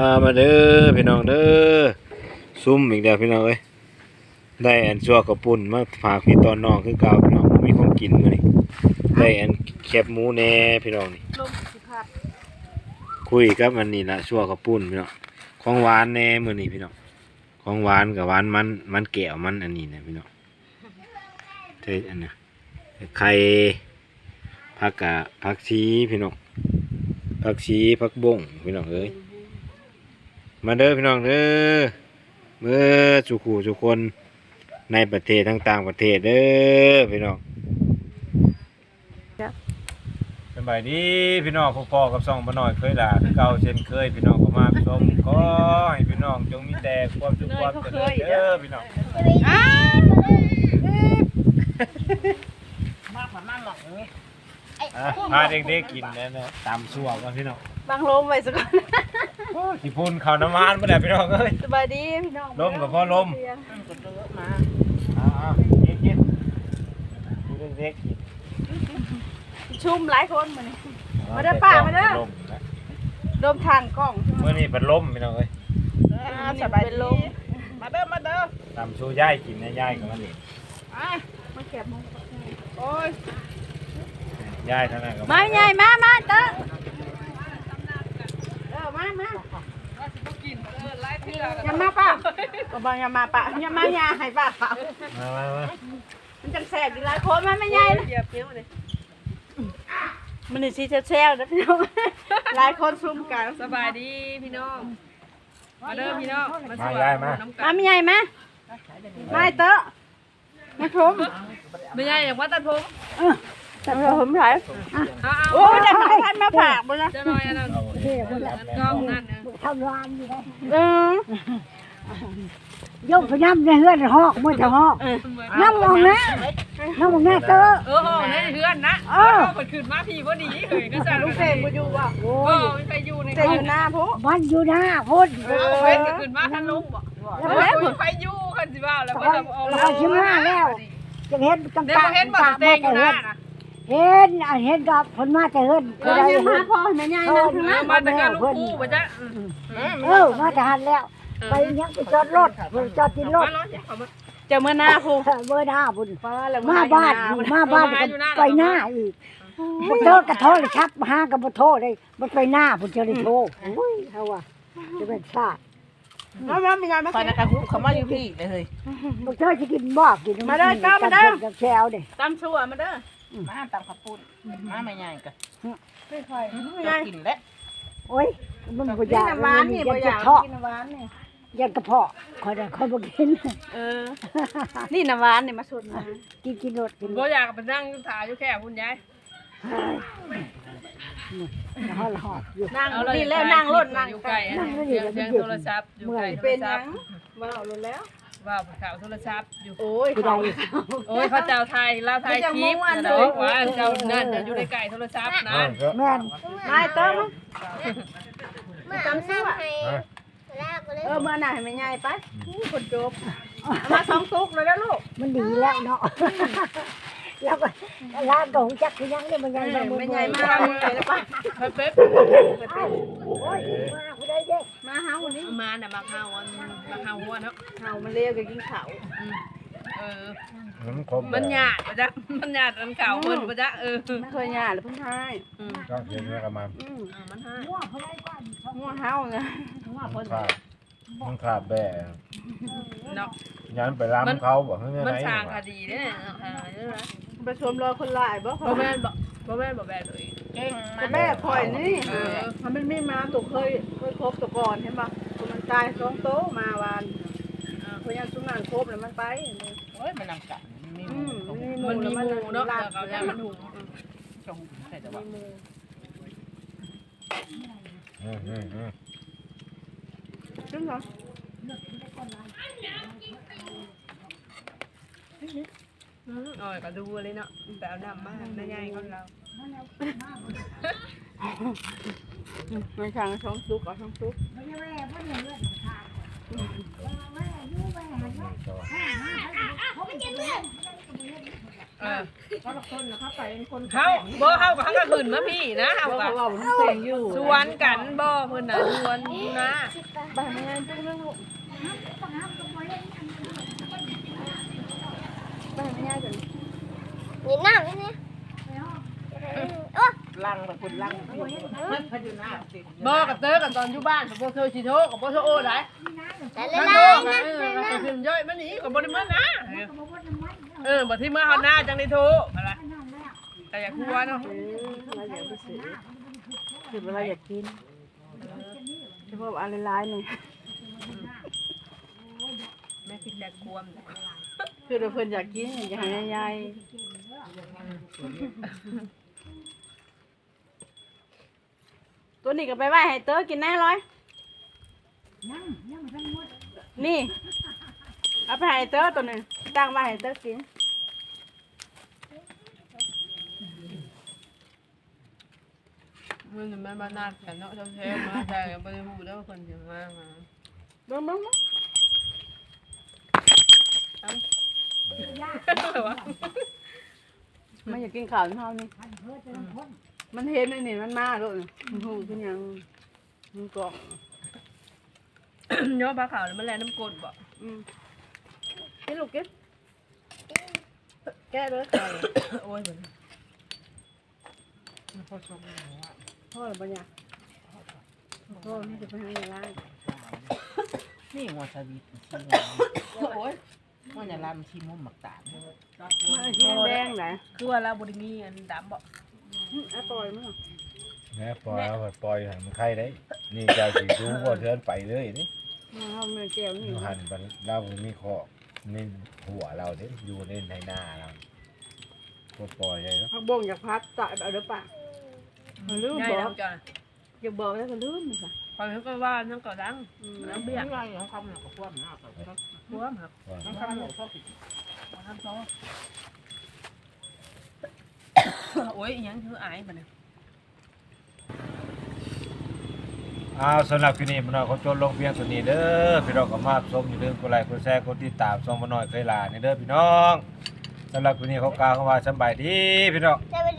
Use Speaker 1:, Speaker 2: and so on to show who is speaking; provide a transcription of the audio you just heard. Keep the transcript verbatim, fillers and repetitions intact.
Speaker 1: มาเด้อพี่น้องเด้อซุ่มอีกแล้วพี่น้องเอ้ยได้อันซัวกระปุ่นมาฝากพี่ตอนน้องคือเก่าพี่น้องมีของกินมื้อนี้ได้อันแคบหมูแหน่พี่น้องนี่
Speaker 2: ลมสิพัด
Speaker 1: คุยกับอันนี้ล่ะซัวกระปุ่นพี่น้องของหวานแหน่มื้อนี้พี่น้องของหวานกับหวานมันมันแก้วมันอันนี้นะพี่น้องเทอันน่ะไข่ผักกะผักชีพี่น้องผักชีผักบงพี่น้องเอ้ยมาเด้อพี่น้องเด้อเมื่อสุขูสุคนในประเทศทั้งต่างประเทศเด้อพี่น้องสบายดีพี่น้องพ่อๆกับซ่องบ่น้อยเคยด่าคือเก่าเช่นเคยพี่น้องก็มาชมขอให้พี่น้องจงมีแต่ความสุขความเจริญเด้อพี่น้อง
Speaker 2: มากกว่ามากหรอกนี่
Speaker 1: พาเด็กๆกินนะนะตำซั่วกันพี่น้อง
Speaker 2: บางลมไว้สักก่อน
Speaker 1: ที่พุ่นข้าวน้ำมันบ่ได้พี่น้องเอ้ย
Speaker 2: สบายดีพี่น้อง
Speaker 1: ลมกับพ่อลม
Speaker 2: มา
Speaker 1: อ่าๆกินๆดูเด็กๆกิน
Speaker 2: ชุ่มหลายคนมื้อนี้มาเด้อป้ามาเด้อลมทางกล้อง
Speaker 1: มื้อนี้เป็นลมพี่น้องเอ้ย
Speaker 2: สบายดีมาเด้อมาเด้อ
Speaker 1: ตำสู้ย่ายกินนะย่ายกับมันนี่
Speaker 2: อ่ะมาแก็บมงโอ้ย
Speaker 1: ย่ายเท่านั้นก็
Speaker 2: มาใหญ่มามาเด้อเออมามาอย่ามาป้าก็บอกอย่ามาป้าอย่ามาอย่าให้ป้า
Speaker 1: มามามา
Speaker 2: มันจังแสบดีหลายคนมันไม่ใหญ่นะมันนี่สิแซ่บๆนะพี่น้องหลายคนซุ่มกัน
Speaker 3: สบายดีพี่น้องมาเด้อพี่น้อง
Speaker 1: มาย่ายมา
Speaker 2: มาไม่ใหญ่มาไม่เตอะมาชม
Speaker 3: ไม่ใหญ่อย่างว่าตัดผม
Speaker 2: แต่ผมถ่ายโอ้ยแต่ไม่ทันมาผ่าบ่นะ
Speaker 3: จะน้อยอันนั้นกล้องนั่น
Speaker 4: ทำรานอยู่ได้
Speaker 2: เอ
Speaker 4: อยกไปน้ำในเฮือนหอกมือจะหอกน้ำมองนะน้ำมองแน่เตอ
Speaker 3: เออในเฮือนนะเออเปิดคืนมาพี่พอดีเฮ้ยก็จะ
Speaker 2: ลูกเสกมาอยู่ว่ะ
Speaker 3: โอ้ยไม่ไปอยู่ใน
Speaker 2: อยู่หน้าพุ
Speaker 4: มันอยู่หน้าพุทธ
Speaker 3: เออเว้นก็คืนมาท่านลุงบอกแล้วไปอยู่กันสิว่าแล้วก็จะเอา
Speaker 4: เราชิมหน้าแล้วจะเห็นกำตา
Speaker 3: เห็นบ่เต็งอยู่นะ
Speaker 4: เห็นเห็นกับคนมาแต่เฮิรน
Speaker 2: เออเห็นมาพ่อแม่ใหญ่นั่งข้างหน้า
Speaker 3: มาแต่การลูกคู่ป่ะจ๊ะ
Speaker 4: เออมาแต่หันแล้วไปยังไปจอดรถไปจอดที่รถ
Speaker 2: เจอเมื่อหน้าพู
Speaker 4: เมื่อหน้าพุ่นมาบ้านมาบ้านไปหน้าอีกมันเจอกระโทษเลยครับห้างกับกระโทษเลยมันไปหน้าพุ่นเจอเลยโทษอุ้ยเขาว่าจะเป็นชาติ
Speaker 2: มามาไม่ใหญ่มา
Speaker 3: ตอนนั้นเขาเขามาอยู่พี่เลยเฮ้ย
Speaker 4: มันเจอจะกินบ้ากิน
Speaker 2: มาเด้อก้าวมาเด้อ
Speaker 4: กับแชวเด้
Speaker 2: ตำชั่วมาเด้อ
Speaker 3: มาตำข้าวปุ้นมาไม่ใหญ่กัน
Speaker 2: ไม่ค่อย
Speaker 3: จะกินแล้ว
Speaker 4: โอ้ยมันบ่อยาก
Speaker 2: หวานนี่บ่อยากกินหวานนี่
Speaker 4: ยันกระเพาะคอยได้คอยบ่กิน
Speaker 2: เออนี่น้ำหวานนี่มาชนมา
Speaker 4: กินกินรสกิน
Speaker 3: บ่อยากไปนั่งถ่ายอยู่แค่คุณยาย
Speaker 4: หอดหอดอยู่
Speaker 2: นั่งนี่แล้วนั่งรถนั่ง
Speaker 3: อยู่ไกลเสียงโทรศัพท์อยู่ไกล
Speaker 2: เป็นยังว้าวรถแล้ว
Speaker 3: ว้าวข่าวโทรศัพท์อยู่
Speaker 2: โอ้ย
Speaker 4: เขา
Speaker 3: โอ้ยเขาเจ้าไทยลาวไทยคลิปนะว่าเจ้านั่นอยู่ในไก่โทรศัพท์นะ
Speaker 4: แม่น
Speaker 2: ไม่ต้มจำซื้อเออเมื่อไหร่ไม่ใหญ่ไปคนจบมาสองตุกเลยแล้วลูก
Speaker 4: มันดีแล้วเนาะแล้วก็ร้านก็หูจักคือยังเนี่ยมันยัง
Speaker 2: ไม่ใหญ่มากเลยแล้วป่ะ
Speaker 3: เป๊ะ
Speaker 4: โอ้ยมาผู้ใดเด้
Speaker 2: มาเฮาวันนี้
Speaker 3: มาน่ะมาเฮามาเฮาหัวเนาะ
Speaker 2: เฮามันเลี้ยงกินข้าว
Speaker 3: เออมันหยาดปะจ๊ะมันหยาดมันเก่าเพิ่นปะจ๊ะเออ
Speaker 2: ไม่เคยหยาดหรือเพิ่งให้
Speaker 1: ก็เห็นแล้วก็มา
Speaker 3: มันให้
Speaker 2: งัวเฮาไง
Speaker 1: งัวเพิ่นมันขาดแบ่
Speaker 3: เนาะ
Speaker 1: ยันไปรำเขาบอกเฮ้ย
Speaker 3: มันสร้างคดีเด้อ
Speaker 2: ไปชมรอคนหลายบ่
Speaker 3: บ่แม่นบ่บ่แม่นบ่แม่นเลย
Speaker 2: เก่งมันแม่ข่อยนี่เออมันไม่มีมาตกเคยเคยครบตะก่อนเห็นป่ะมันตายสองโตมาวานเพราะยังสุนันครบแล้วมันไป
Speaker 3: โอ้ยมันนำกันมันมีหมูเนาะแล้วก็ยังมันหุงชงใส่แต่ว่า
Speaker 1: อืมอืมอืม
Speaker 2: จริงเหรอ
Speaker 3: โอ้ยก็ดูเลยเนาะแต่เอาดำมากน่าใหญ่คนเรา
Speaker 2: ไม่ช่างช่องซุกเอาช่องซุก
Speaker 3: เออ
Speaker 2: เขาละคนนะเขาไปเป็นคน
Speaker 3: เฮาบ่เฮากับเฮาก็ขึ้นมาพี่นะเฮา
Speaker 2: เขา
Speaker 3: ก็
Speaker 2: เขาบอกมันเสียงอยู่
Speaker 3: สวนกันบ่เพิ่นน่ะสวนนะ
Speaker 2: บ้านงานจุ๊กนึงลูกบ้านงานกัน
Speaker 5: nhìn nào thế nè
Speaker 3: ลังแบบคนลังมันพอยู่หน้าบ่กับเตอกับตอนอยู่บ้านกับบ่เธอสิโทรกับบ่โทรโอ้ได้
Speaker 5: lại
Speaker 3: มัน
Speaker 5: lên
Speaker 3: โทร
Speaker 5: đây
Speaker 3: กัน
Speaker 5: nè
Speaker 3: เออ
Speaker 5: lên
Speaker 3: ก็
Speaker 5: đây
Speaker 3: ขึ้นย่อยมันหนีก็บ่ได้มานะเออบ่ที่มาเฮาหน้าจังได้โทรอะไรแต่อยากหัวเนาะ
Speaker 2: เออเราอยากไปซื้อคือเวลาอยากกินเฉพาะอะไรร้ายๆนี่
Speaker 3: แม่คิดแต่ควม
Speaker 2: คือเราเพิ่นอยากกินอยากให้ยายตัวนี้ก็ไปไหว้ให้เต๋อกินแน่ร้อยนี่เอาไปให้เต๋อตัวนึงตั้งไว้ให้เต๋อกิน
Speaker 3: มันแม่บ้านนากันเนาะแท้ๆมาแต่บ่ได้ฮู้แล้วว่าเพิ่นสิมามา
Speaker 2: เบิ่งเบิ่งเบิ่งมันอยากกินข้าวเท่านี้มันเห็นอันนี่มันมาแล้วนี่มันหูขึ้นยังมันกล่อง
Speaker 3: เนาะปลาขาวแล้วมันแลน้ำกรดบ่
Speaker 2: อืมกินลูกกินแก้เลยค่ะ
Speaker 3: โอ้ยเหมือน
Speaker 2: พ่อหรือเปล่าเนี่ยพ่อนี่จะไปให้ยาล้าง
Speaker 3: นี่หัวชาบีชีโอ้ยมันจะลามชีมุมหมักตาล
Speaker 2: มันสีแดงไหน
Speaker 3: คือว่าเราบริมีอันดำบ่
Speaker 2: อ่ะปล่อยมั้ง
Speaker 1: แม่ปล่อยเอาไปปล่อยให้มันไข่ได้นี่เจ้าสิดูบ่เทือนไปเลยนี่
Speaker 2: มาเอาเนื้อแก้วนี่
Speaker 1: อยู่หันบัดเราบ่มีคอกในหัวเราเด้อยู่ในในหน้าเราบ่ปล่อยเลยเนาะ
Speaker 2: พักบ่งอยากพัดจ่ายเอาเด้อป่ะมันลืม
Speaker 3: ง่าย
Speaker 2: บอ
Speaker 3: แล้
Speaker 2: ก
Speaker 3: วจ้ะ
Speaker 2: อย่าบอกแล้วก็ลืมนี่ค่ะ
Speaker 3: พอเขาก็ว่านั่งก็ดัง
Speaker 2: อืม
Speaker 3: น้ำเบี้ยง่ายของคำหนักกับพวกหนักพวกหนัก
Speaker 1: ว่า
Speaker 3: น้ำคำหนักพวกทำโซ่โอ้ยยังคืออายบ่เนี่ย
Speaker 1: อ้าวสำหรับคลิปนี้พี่น้องเขาจนลงเพียงเท่านี้เด้อพี่น้องก็มาชมอย่าลืมกดไลค์กดแชร์กดติดตามช่องบ่น้อยเคยลานี่เด้อพี่น้องสำหรับคลิปนี้เขากล่าวคำว่าสำบายดีพี่น้อง
Speaker 5: Chào